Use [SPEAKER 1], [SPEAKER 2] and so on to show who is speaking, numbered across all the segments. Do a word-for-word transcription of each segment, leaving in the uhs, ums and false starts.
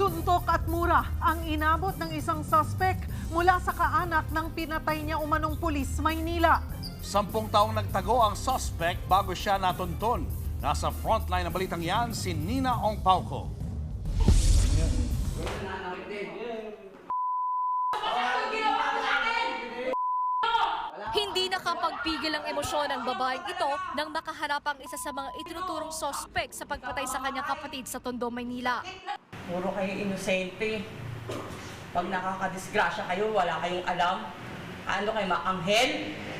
[SPEAKER 1] Suntok at mura ang inabot ng isang suspect mula sa kaanak ng pinatay niya umanong pulis Maynila.
[SPEAKER 2] Sampung taong nagtago ang suspect bago siya natunton. Nasa frontline ng balitang yan si Nina Ong Pauco.
[SPEAKER 3] Hindi nakapagpigil ang emosyon ng babaeng ito nang makaharap ang isa sa mga itinuturong sospek sa pagpatay sa kanyang kapatid sa Tondo, Maynila.
[SPEAKER 4] Puro kayo inosente. Pag nakakadisgrasya kayo, wala kayong alam. Ano kayo, maanghel?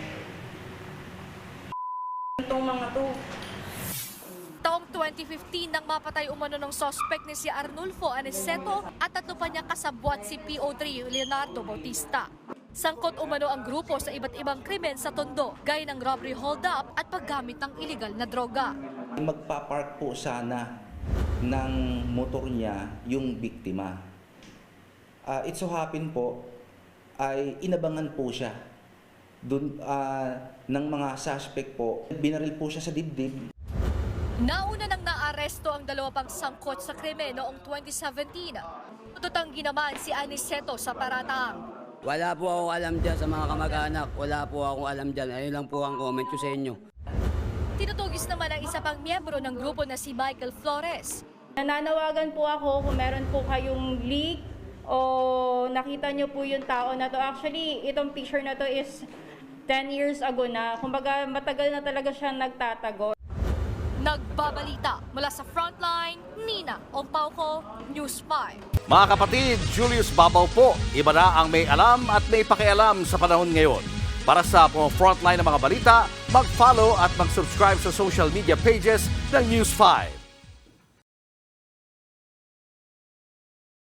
[SPEAKER 4] Itong mga to.
[SPEAKER 3] Taong twenty fifteen nang mapatay umano ng sospek ni si Arnulfo Aniceto at tatlo pa niyang kasabwat si P O three Leonardo Bautista. Sangkot umano ang grupo sa iba't ibang krimen sa Tondo, gaya ng robbery hold-up at paggamit ng iligal na droga.
[SPEAKER 5] Magpapark po sana ng motor niya yung biktima. Uh, it so happen po ay inabangan po siya dun, uh, ng mga suspect po. Binaril po siya sa dibdib.
[SPEAKER 3] Nauna nang naaresto ang dalawa pang sangkot sa krimen noong twenty seventeen. Tututanggi naman si Aniceto sa paratang.
[SPEAKER 6] Wala po akong alam dyan sa mga kamag-anak. Wala po akong alam dyan. Ayun lang po ang comment ko sa inyo.
[SPEAKER 3] Tinutugis naman ang isa pang miyembro ng grupo na si Michael Flores.
[SPEAKER 7] Nananawagan po ako kung meron po kayong leak o nakita nyo po yung tao na to. Actually, itong picture na to is ten years ago na. Kumbaga, matagal na talaga siya nagtatago.
[SPEAKER 3] Nagbabalita mula sa Frontline, Nina Ong Pauco, News five.
[SPEAKER 2] Mga kapatid, Julius Babaw po. Iba na ang may alam at may pakialam sa panahon ngayon. Para sa mga frontline ng mga balita, mag-follow at mag-subscribe sa social media pages ng News five.